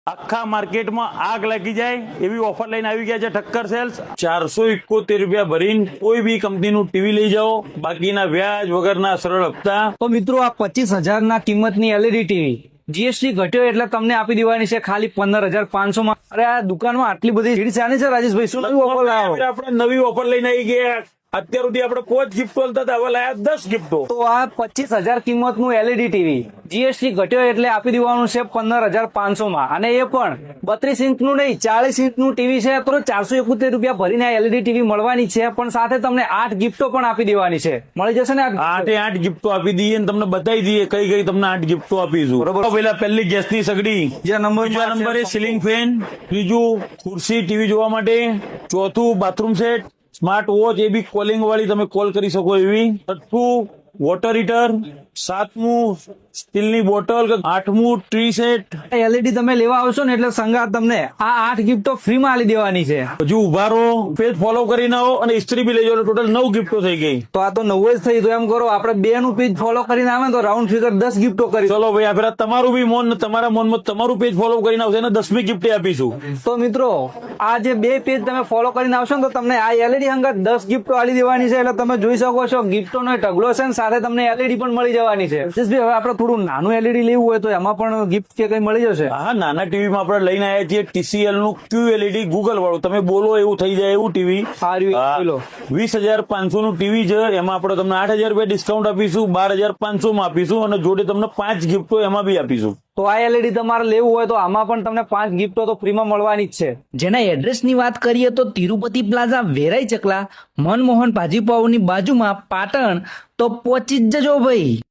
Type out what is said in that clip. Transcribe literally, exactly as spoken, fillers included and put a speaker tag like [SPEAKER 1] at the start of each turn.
[SPEAKER 1] આખા માર્કેટમાં આગ લાગી જાય એવી ઓફર લઈને આવી ગયા છે ઠક્કર સેલ્સ। ચારસો એકોતેર રૂપિયા ભરીને કોઈ બી કંપનીનું ટીવી લઈ જાઓ, બાકીના વ્યાજ વગરના સરળ હપ્તા।
[SPEAKER 2] તો મિત્રો આ પચીસ હજાર ના કિંમતની એલઈડી ટીવી જીએસટી ઘટ્યો એટલે તમને આપી દેવાની છે ખાલી પંદર હજાર પાંચસો માં। અરે આ દુકાનમાં આટલી બધી ભીડ ચાલે છે રાજેશભાઈ, શું નવી ઓફર લાવો?
[SPEAKER 1] આપણે નવી ઓફર લઈને આવી ગયા। અત્યાર સુધી આપણે પાંચ ગિફ્ટો હતા, હવે લાયા દસ ગિફ્ટો।
[SPEAKER 2] તો આ પચીસ હજાર કિંમત નું એલઈડી ટીવી જીએસટી ઘટ્યો એટલે આપી દેવાનું છે પંદર હજાર પાંચસો માં, અને એ પણ બત્રીસ ઇંચ નું નહીં ચાલીસ ઇંચ નું ટીવી છે। તો ચારસો એકોતેર રૂપિયા ભરીને એલઈડી ટીવી મળવાની છે, પણ સાથે તમને આઠ ગિફ્ટો પણ આપી દેવાની છે। મળી જશે ને
[SPEAKER 1] આઠે આઠ ગિફ્ટો આપી દઈએ ને તમને બતાવી દઈએ કઈ કઈ તમને આઠ ગિફ્ટો આપીશું। બરોબર, પેલા પહેલી ગેસની સગડી,
[SPEAKER 2] બીજા નંબર
[SPEAKER 1] બીજા નંબરે સીલિંગ ફેન, ત્રીજું ખુરશી ટીવી જોવા માટે, ચોથું બાથરૂમ સેટ, સ્માર્ટ વોચ એ બી કોલિંગ વાળી તમે કોલ કરી શકો એવી, છઠ્ઠું વોટર હીટર, સાતમું સ્ટીલની બોટલ, આઠમું ટ્રી સેટ।
[SPEAKER 2] એલઈડી તમે લેવા આવશો ને એટલે સંગાત તમને આ આઠ ગિફ્ટો ફ્રી માં આલી દેવાની છે।
[SPEAKER 1] હજુ ઉભા રહો, પેજ ફોલો કરીને આવો અને ઇસ્ત્રી બી લઈ જાઓ, ટોટલ નવ ગિફ્ટો થઈ ગઈ।
[SPEAKER 2] તો આ તો નવ જ થઈ, તો એમ કરો આપણે બે નું પેજ ફોલો કરીને આવે તો રાઉન્ડ ફિગર દસ ગિફ્ટો કરી।
[SPEAKER 1] ચલો ભાઈ, આ ફેરા તમારું બી મોન, તમારા મોનમાં તમારું પેજ ફોલો કરીને આવશે ને દસમી ગિફ્ટ આપીશું।
[SPEAKER 2] તો મિત્રો આ જે બે પેજ તમે ફોલો કરીને આવશો ને તો તમને આ એલઈડી અંગત દસ ગિફ્ટો આલી દેવાની છે। એટલે તમે જોઈ શકો છો ગિફ્ટો નો ઢગલો છે, સાથે તમને એલઈડી પણ મળી જવાની છે। જસભાઈ, હવે આપણે થોડું નાનું એલઈડી લેવું હોય તો એમાં પણ ગિફ્ટ કે કઈ મળી જશે?
[SPEAKER 1] હા, નાના ટીવી માં આપણે લઈને આવ્યા છીએ ટીસીએલ નું ક્યુએલઈડી ગૂગલ વાળું, તમે બોલો એવું થઈ જાય એવું ટીવી। વીસ હજાર પાંચસો નું ટીવી છે, એમાં આપણે તમને આઠ હજાર રૂપિયા ડિસ્કાઉન્ટ આપીશું, બાર હજાર પાંચસો માં આપીશું અને જોડે તમને પાંચ ગિફ્ટો એમાં બી આપીશું।
[SPEAKER 2] તો આ એલઈડી તમારે લેવું હોય તો આમાં પણ તમને પાંચ ગિફ્ટો તો ફ્રીમાં મળવાની જ છે।
[SPEAKER 3] જેના એડ્રેસની વાત કરીએ તો તિરુપતિ પ્લાઝા, વેરાઈ ચકલા, મનમોહન ભાજીપાઉની બાજુમાં, પાટણ। તો પહોંચી જ જજો ભાઈ।